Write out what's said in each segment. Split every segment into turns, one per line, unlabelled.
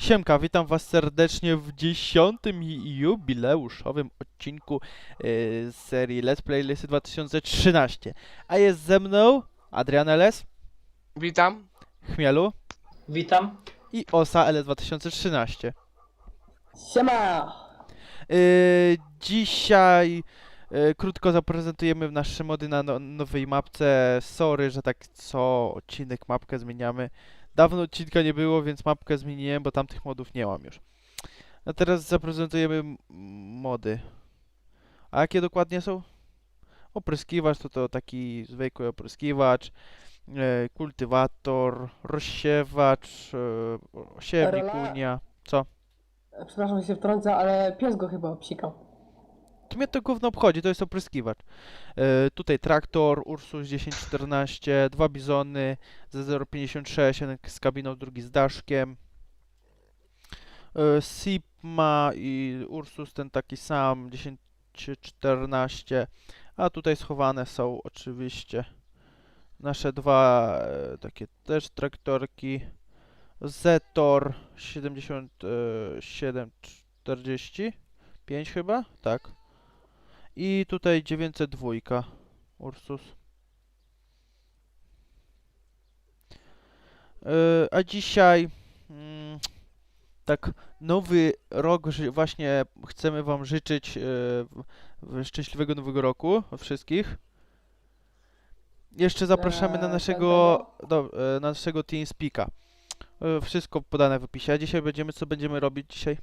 Siemka, witam was serdecznie w 10. jubileuszowym odcinku z serii Let's Play Lisy 2013. A jest ze mną Adrian LS,
Witam.
Chmielu
Witam.
i Osa LS 2013.
Siema!
Dzisiaj krótko zaprezentujemy nasze mody na nowej mapce. Sorry, że tak co odcinek mapkę zmieniamy. Dawno odcinka nie było, więc mapkę zmieniłem, bo tamtych modów nie mam już. A teraz zaprezentujemy mody. A jakie dokładnie są? Opryskiwacz to taki zwykły opryskiwacz, kultywator, rozsiewacz, siewnik,
Rola.
ujnia. Co?
Przepraszam, że się wtrącę, ale pies go chyba obsikał.
To mnie to gówno obchodzi, to jest opryskiwacz. Tutaj traktor, Ursus 1014, dwa bizony ze 0,56, jeden z kabiną, drugi z daszkiem. Sigma i Ursus ten taki sam, 1014. A tutaj schowane są oczywiście nasze dwa takie też traktorki. Zetor 7745 chyba? Tak. I tutaj 902 Ursus. A dzisiaj tak nowy rok, właśnie chcemy wam życzyć szczęśliwego nowego roku od wszystkich. Jeszcze zapraszamy na naszego TeamSpeaka. Wszystko podane w opisie. A dzisiaj co będziemy robić dzisiaj?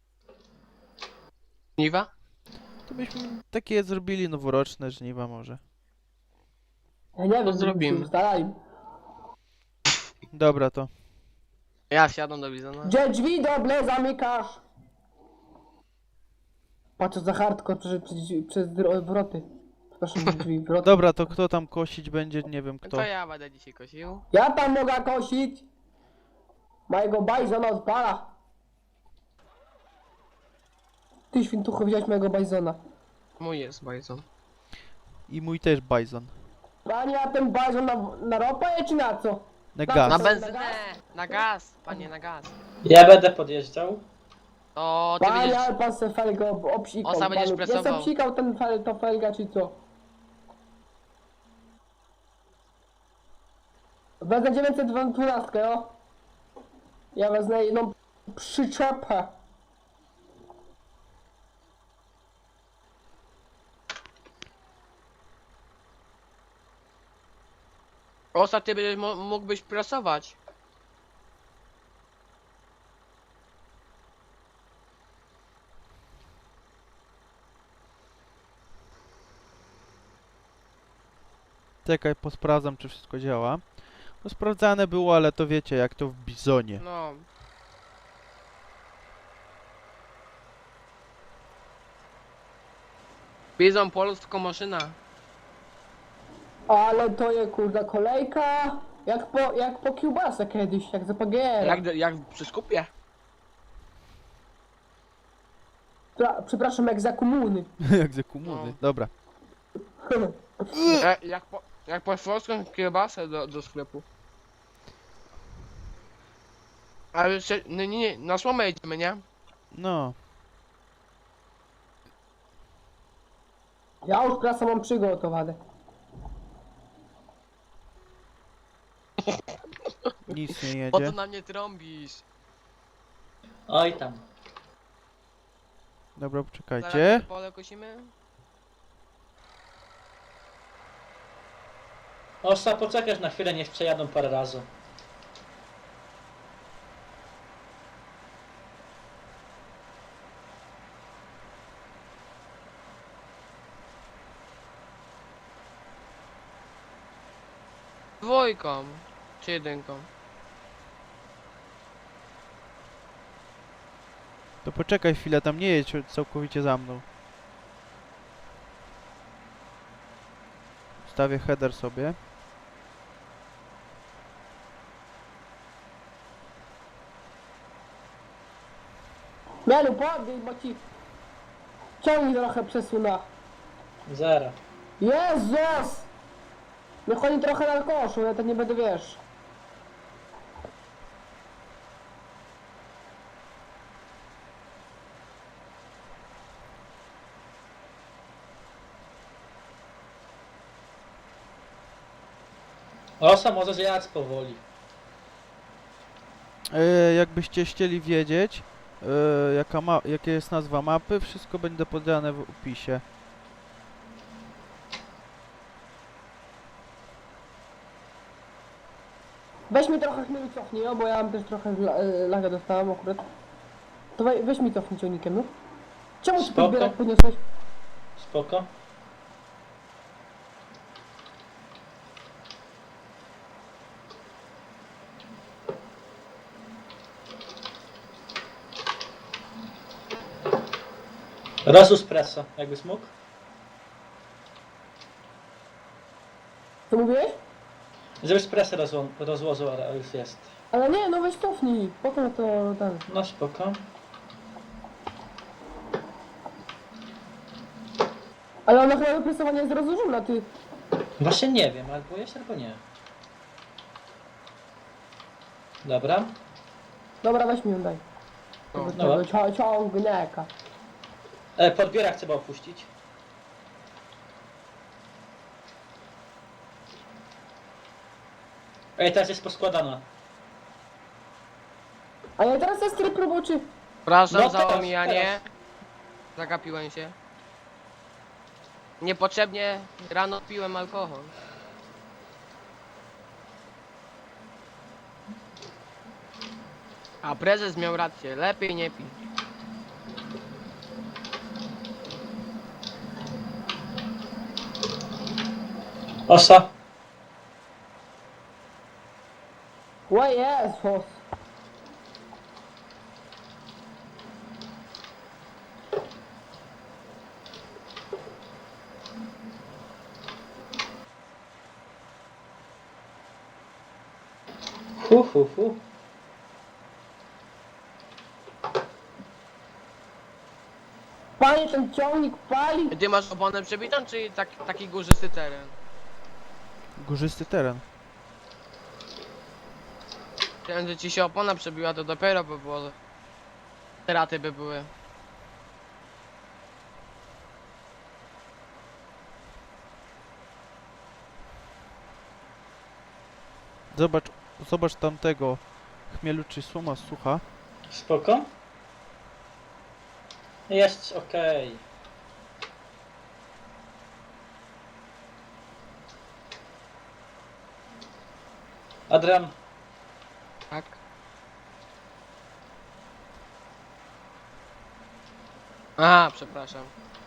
Niwa?
To byśmy takie zrobili noworoczne żniwa może.
Ja nie wiem,
zrobimy.
Ustalali.
Dobra to.
Ja wsiadam do Bizona.
Gdzie drzwi doble zamykasz? Patrz co za hardcore przez wroty. Przepraszam, drzwi, wroty.
Dobra, to kto tam kosić będzie? Nie wiem kto.
To ja będę dzisiaj kosił.
Ja tam mogę kosić. Mojego bajzona odpala. Ty świntucho wziąłeś mojego bajzona.
Mój jest bajzon.
I mój też bajzon.
Panie, a ten bajzon na ropę czy na co?
Na
Na
gaz.
Na
Na
benzynę!
gaz?
Na gaz! Panie, na gaz.
Ja będę podjeżdżał.
To ty
Panie,
będziesz...
ale pan se felgę obsikał.
Osa będziesz
panu. Ja
presował.
se obsikał to felga czy co? Wezmę 912, no. Ja wezmę jedną przyczepę.
Osa, ty będziesz mógłbyś prasować.
Czekaj, posprawdzam czy wszystko działa. No sprawdzane było, ale to wiecie jak to w bizonie.
No. Bizon, polska maszyna.
Ale to jest kurde kolejka. Jak po kiełbasę kiedyś, jak za PGR.
Jak przy skupie.
Przepraszam, jak za komuny.
Jak ze komuny.
No.
Dobra.
Jak po polską kiełbasę do sklepu. Ale jeszcze, nie, na słomę jedziemy, nie?
No.
Ja już prasa mam przygotowane.
Nic nie
Po co
jedzie.
na mnie trąbisz?
Oj tam.
Dobra,
Zaraz
poczekajcie.
to pole kosimy?
Osa, poczekasz na chwilę, niech przejadą parę razy.
Dwójką. Czy jedynką?
To poczekaj chwilę, tam nie jedź całkowicie za mną. Stawię header sobie.
Mielu, podbij, bo ci ciągnij trochę przesuna.
Zero.
Jezus! Niech oni trochę na koszu, ja to nie będę, wiesz.
Osa może zjadać powoli.
Jakbyście chcieli wiedzieć, jaka jest nazwa mapy, wszystko będzie podane w opisie.
Weź mi trochę chmielu cofnij, bo ja mam też trochę laga dostałem akurat. To weź mi cofnij ciągnikiem, no. Czemu ty
Spoko.
podbierak podniosłeś?
Spoko. Raz espresso, jakbyś mógł.
Co mówiłeś?
Żeby espresso rozłożył, ale już jest.
Ale nie, no weź cofnij. Potem to ten.
No spoko.
Ale ona chyba wypresowanie jest rozłożona, ty.
Właśnie nie wiem, albo jest, albo nie. Dobra.
Dobra, weź mi ją daj.
No.
Tego ciągniaka.
Podbierak trzeba opuścić. Ej, teraz jest poskładana.
A ja teraz jest tryb roboczy.
Przepraszam
No
za
teraz,
omijanie. Zagapiłem się. Niepotrzebnie rano piłem alkohol. A prezes miał rację, lepiej nie pij.
Osa.
O Jezus.
Fu.
Panie, ten ciągnik pali.
Ty masz oponę przebitą, czy taki górzysty teren?
Górzysty teren.
Chciałem, że ci się opona przebiła, to dopiero by było... Straty by były.
Zobacz tamtego chmielu czy słoma sucha.
Spoko. Jest okej. Adrian,
Tak? Aha, przepraszam.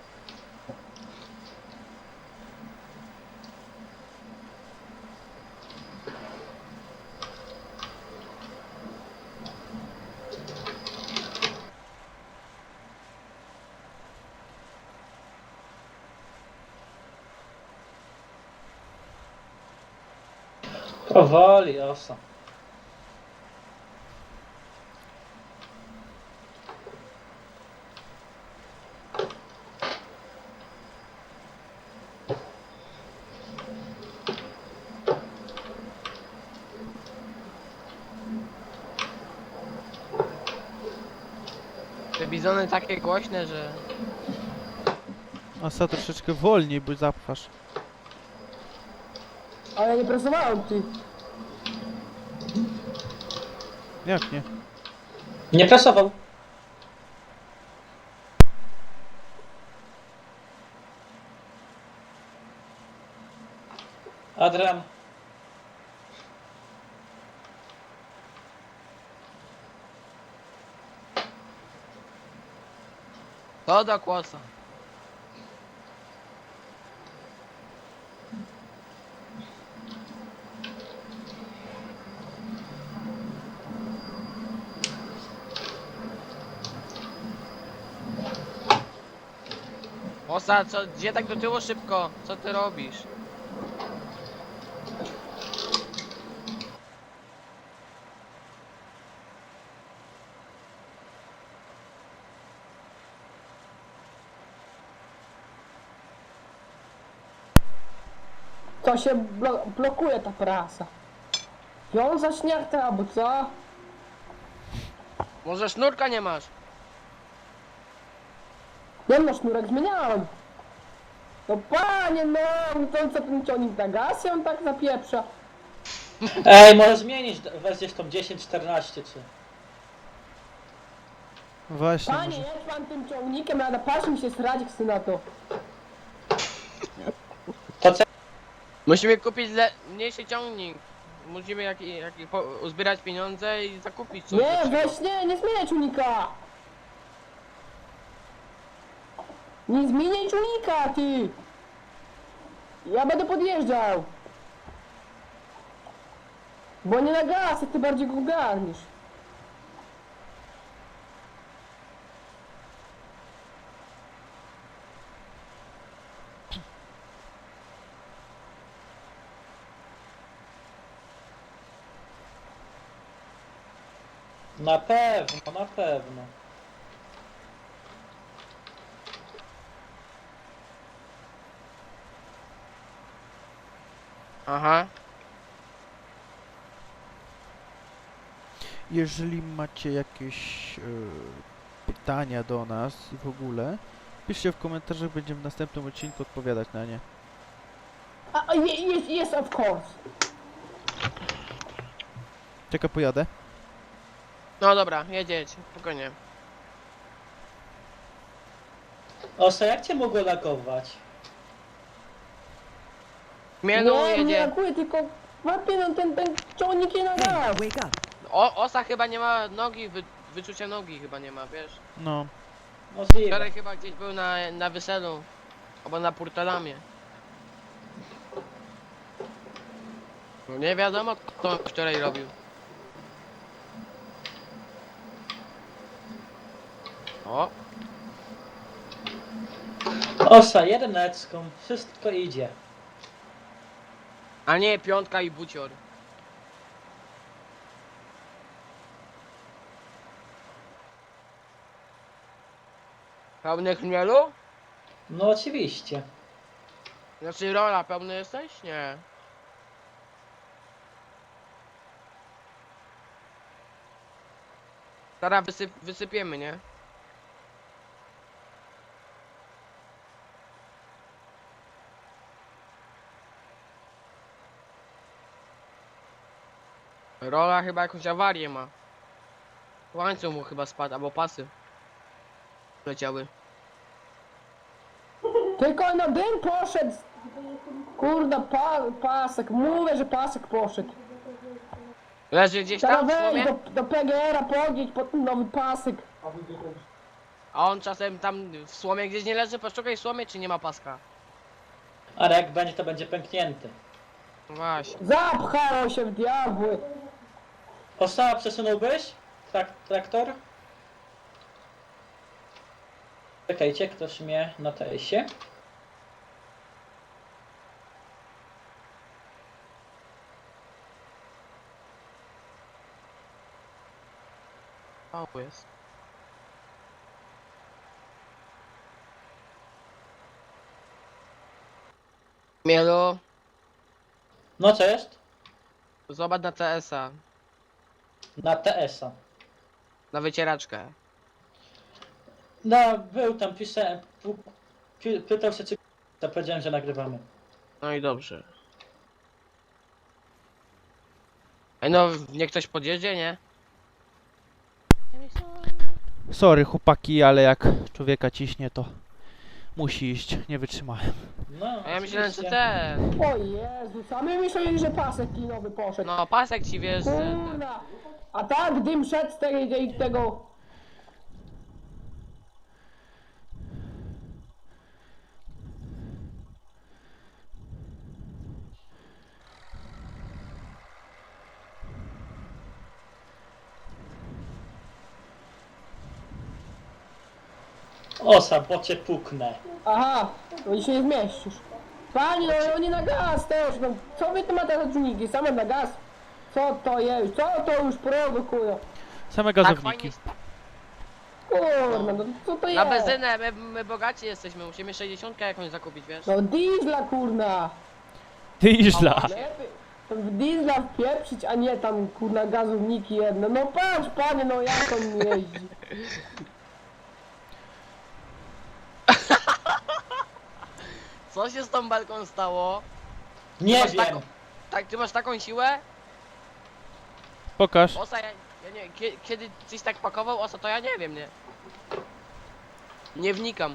powoli, osa.
Te bizony takie głośne, że...
Asa troszeczkę wolniej, bo zapchasz.
Ale ja nie presowałem, ty.
Jak nie?
Nie prasował. Adrian,
To do kłosa. Osa, gdzie tak do tyłu szybko? Co ty robisz?
To się blokuje ta prasa. Wiązać nie chce, albo co?
Może sznurka nie masz?
Nie no, sznurek zmieniałem. No panie, no, to co ten ciągnik na gaz, on tak zapieprza.
Ej, może zmienić, weź gdzieś tą 10-14 czy...
Właśnie,
Panie,
może...
jedź pan tym ciągnikiem, na patrzę mi się srać chce na to.
To co?
Musimy kupić mniejszy ciągnik. Musimy uzbierać pieniądze i zakupić coś
Nie,
lepszego.
weź nie zmieniaj ciągnika. Nie zmieniaj ciągnika, ty. Ja będę podjeżdżał. Bo nie na gaz, ty bardziej go garnisz.
Na pewno, na pewno.
Aha.
Jeżeli macie jakieś pytania do nas i w ogóle, piszcie w komentarzach, będziemy w następnym odcinku odpowiadać na nie.
Yes, of course.
Czekaj, pojadę.
No dobra, jedź, spokojnie.
Osa, jak cię mogło lagować?
Mielu
Nie
jedzie.
reaguję, tylko łapie no ten ciągnik nie na gaz.
Wake up.
Osa chyba nie ma nogi, wyczucia nogi chyba nie ma, wiesz?
No,
Możliwe.
Wczoraj chyba gdzieś był na weselu. Albo na Portalamie. No nie wiadomo kto wczoraj robił. O,
Osa, jedyneczką, wszystko idzie.
a nie piątka i bucior. Pełny chmielu?
No oczywiście.
Znaczy rola, pełny jesteś? Nie. Teraz wysypiemy, nie? Rola chyba jakąś awarię ma. Łańcuch mu chyba spadł, albo pasy leciały.
Tylko na dym poszedł. Kurda, pasek. Mówię, że pasek poszedł.
Leży gdzieś
Teraz
tam w
wejdź
słomie?
do PGR-a, podjedź pod ten nowy pasek.
A on czasem tam w słomie gdzieś nie leży? Poszukaj w słomie, czy nie ma paska?
Ale jak będzie, to będzie pęknięty.
No właśnie.
Zapchało się w diabły.
Osa, przesunąłbyś? Traktor? Czekajcie, ktoś mnie na tejsie.
O, jest. Mielu,
No co jest?
zobacz na CS-a,
Na TS-a.
na wycieraczkę.
No, był tam, pisałem, pytał się czy... To powiedziałem, że nagrywamy.
No i dobrze. Ej no, niech ktoś podjedzie, nie?
sorry chłopaki, ale jak człowieka ciśnie, to musi iść, nie wytrzymałem.
No,
A ja myślałem, że
oczywiście.
ten.
O Jezu, sami myśleli, że pasek kinowy poszedł.
No, pasek ci wiesz.
Kurna. A tak dym szedł z tego.
Osa, bo cię puknę.
Aha, no i się nie zmieścisz. Panie, no oni na gaz też, no co wy tu ma te czujniki, same na gaz? Co to jest? Co to już produkują?
Same
Tak
gazowniki.
fajnie.
Kurna, no co to
Na
jest?
benzynę, my bogaci jesteśmy, musimy 60 jakąś zakupić, wiesz?
No diesla kurna.
Diesla!
Lepiej to w diesla wpieprzyć, a nie tam kurna gazowniki jedne. No patrz panie, no jak on jeździ.
Co się z tą belką stało?
Nie
masz
wiem.
taką- Tak, ty masz taką siłę?
Pokaż.
Osa, ja nie, kiedy coś tak pakował osa, to ja nie wiem, nie? Nie wnikam.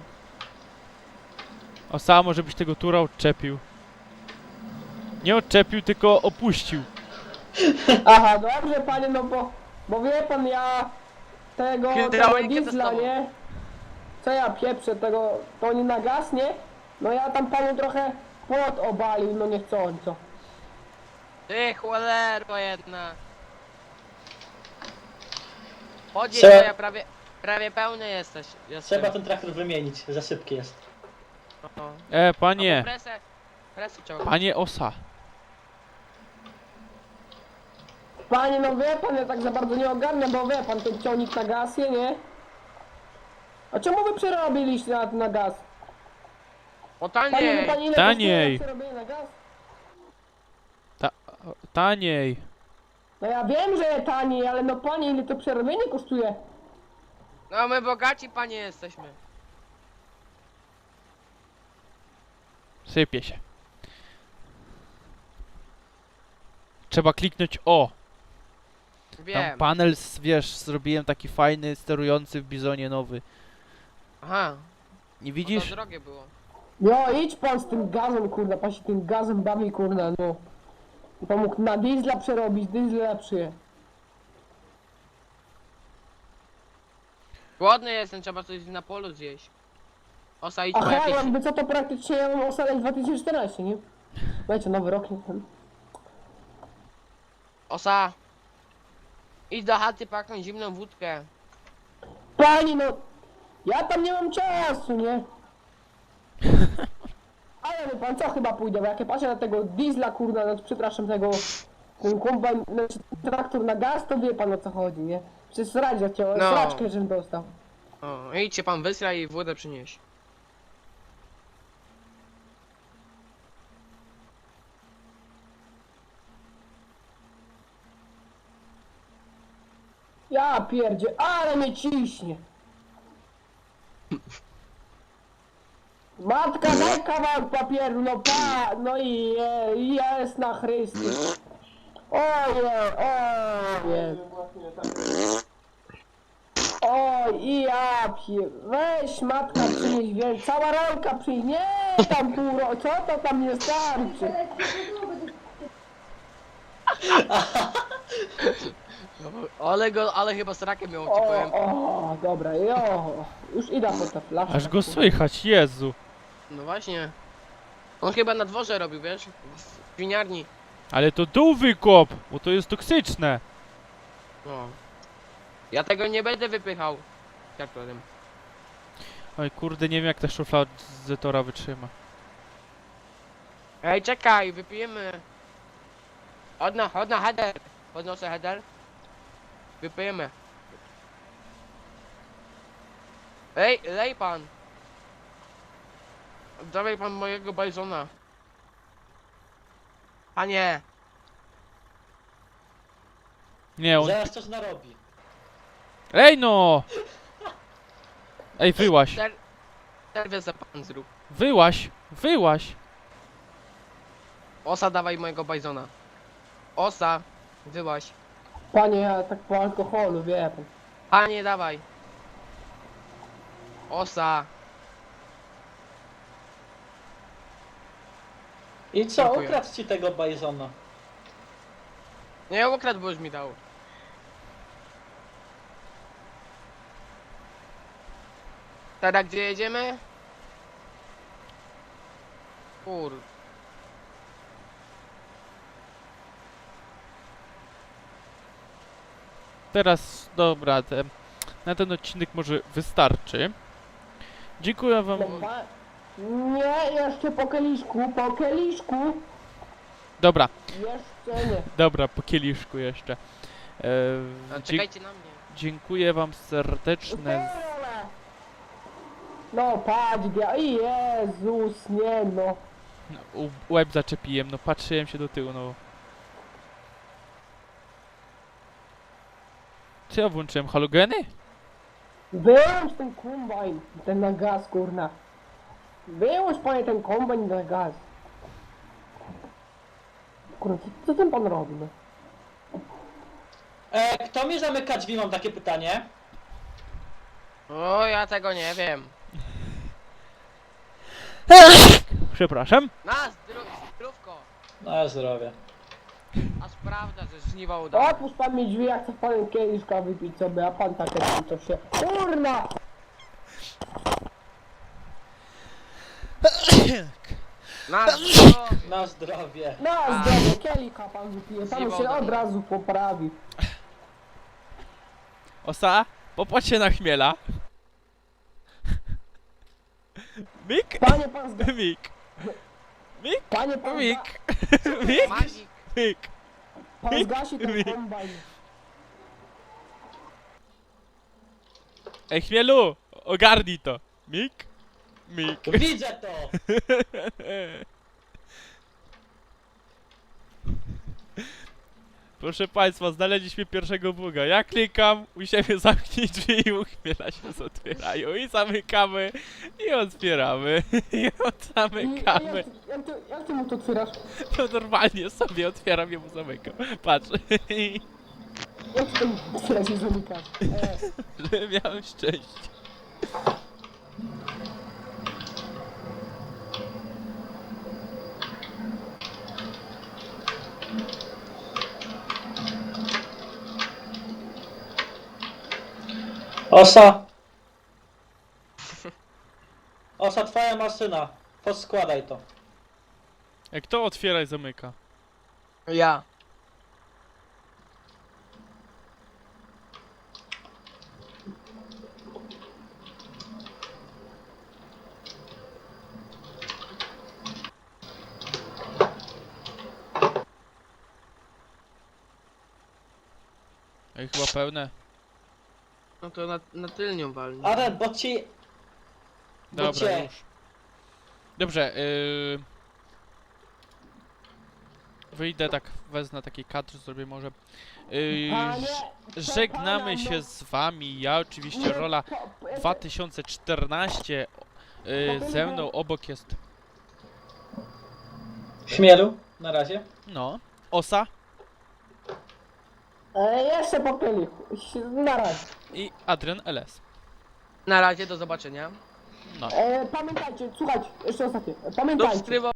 O, sam może byś tego tura odczepił. Nie odczepił, tylko opuścił.
Aha, dobrze panie, no bo wie pan, ja tego
Hydraulikę
diesla,
testował.
nie? Co ja pieprzę, tego, to nie na gaz, nie? No ja tam panu trochę płot obalił, no niechcąco.
Ty cholero jedna. Chodź,
Trzeba-
ja prawie pełny jesteś.
Trzeba ten traktor wymienić, za szybki jest.
No.
Panie.
Albo presę ciągnę.
Panie Osa.
Panie, no wie pan, ja tak za bardzo nie ogarniam, bo wie pan, ten ciągnik na gaz, nie? A czemu wy przerobiliście na gaz?
O
Panie, wie
taniej.
pan ile
Taniej.
kosztuje przerobienie na gaz?
Taniej.
No ja wiem, że taniej, ale no panie, ile to przerobienie kosztuje?
No my bogaci panie jesteśmy.
Sypie się. Trzeba kliknąć O. Tam
Wiem.
panel, wiesz, zrobiłem taki fajny, sterujący w Bizonie nowy.
Aha.
Nie
No
widzisz?
to drogie było.
No idź pan z tym gazem, kurna, pan się tym gazem bawi, kurna, no. I pan mógł na diesla przerobić, diesel lepszy.
Głodny jestem, trzeba coś na polu zjeść. Osa, idź po
Aha,
jakieś...
jakby co to praktycznie ja mam osaleć 2014, nie? Wiecie, nowy rok, nie?
Osa. Idź do chaty po jakąś zimną wódkę.
Pani, no, ja tam nie mam czasu, nie? Ale wie pan co, chyba pójdę, bo jak ja patrzę na tego diesla, kurna, no, przepraszam, ten kombajn, znaczy traktor na gaz, to wie pan o co chodzi, nie? Przecież sradzia cię,
No.
sraczkę, żebym dostał.
O, idź się pan wysra i wodę przynieś.
Ja pierdzie, ale mnie ciśnie. Matka, daj kawałek papieru, no no i jest na Chrystus. Ojej. Oj, i ja weź matka przynieś, wiesz, cała rolka przynieś, nie tam pół co to tam nie starczy.
Ale chyba z rakiem miał, ci powiem.
Dobra, już idę po tę flaszkę.
Aż go słychać, Jezu.
No właśnie. On chyba na dworze robił, wiesz? W winiarni.
Ale to dół wykop, bo to jest toksyczne.
No. Ja tego nie będę wypychał. Traktorem.
Oj kurde, nie wiem jak ta szufla od Zetora wytrzyma.
Ej, czekaj, wypijemy. Chodź na header. Podnoszę header. Wypijemy. Ej, lej pan. Dawaj pan mojego bajzona. Panie.
Nie, on...
Zaraz coś narobi.
Ej no! Ej, wyłaś.
Serwis pan zrób.
Wyłaś.
Osa, dawaj mojego bajzona. Osa, wyłaś.
Panie, ja tak po alkoholu, wie pan.
Panie, dawaj. Osa.
I co,
Dziękuję.
ukradł ci tego bajzona?
Nie, ukradł, bo już mi dał. Teraz gdzie jedziemy? Kur...
Teraz, dobra, na ten odcinek może wystarczy. Dziękuję wam.
Nie, jeszcze po kieliszku,
Dobra,
jeszcze nie.
dobra, po kieliszku jeszcze.
A, czekajcie na mnie.
Dziękuję wam serdeczne.
No patrz, Jezus, nie no.
Łeb zaczepiłem, no patrzyłem się do tyłu, no. Co ja włączyłem? Halogeny?
Wyłącz ten kombajn, ten na gaz, kurna. Wyłącz panie ten kombajn na gaz. Kurwa, co ten pan robi, no?
Kto mi zamyka drzwi, mam takie pytanie.
O, ja tego nie wiem.
Przepraszam.
Zdrówko.
Na zdrowie.
A sprawdza, że żniwa udało.
Otwórz pan mi drzwi, jak chce panem kieliszka wypić sobie, a pan takie tam to się... Kurna!
Na zdrowie.
Na zdrowie.
Na zdrowie, kielicha pan wypije, panu się
Zjebał
od razu poprawi.
Osa, popatrz się na chmiela. Mik,
Panie pan zga...
mik, mik,
Panie pan,
mik, mik,
Magik.
mik.
pan zgasi ten kombajn.
Ej, chmielu, ogarnij to. Mik, mik.
Widzę to!
Proszę państwa, znaleźliśmy pierwszego buga. Ja klikam, u siebie zamknij drzwi i u chmiela się otwierają. I zamykamy, i otwieramy, i zamykamy.
Jak ty mu to otwierasz?
To normalnie sobie otwieram i mu zamykam. Patrz,
Jak ty tam otwierasz i zamykasz?
że miałem szczęście.
Osa! Osa, twoja maszyna. Poskładaj to.
Jak to otwiera i zamyka?
Ja.
Ej, chyba pełne.
No to na tylnią walni.
Aren, bo ci... Bo
Dobra,
cię...
już. Dobrze, wyjdę tak, wezmę taki kadr, zrobię może.
Panie,
Żegnamy
pana,
się z wami, ja oczywiście, rola 2014. Ze mną obok jest,
Chmielu, na razie.
no, Osa
Jeszcze po kielichu. Na razie.
i Adrian LS.
Na razie, do zobaczenia.
No.
Pamiętajcie, słuchajcie, jeszcze ostatnie. Pamiętajcie.
Subskrybować.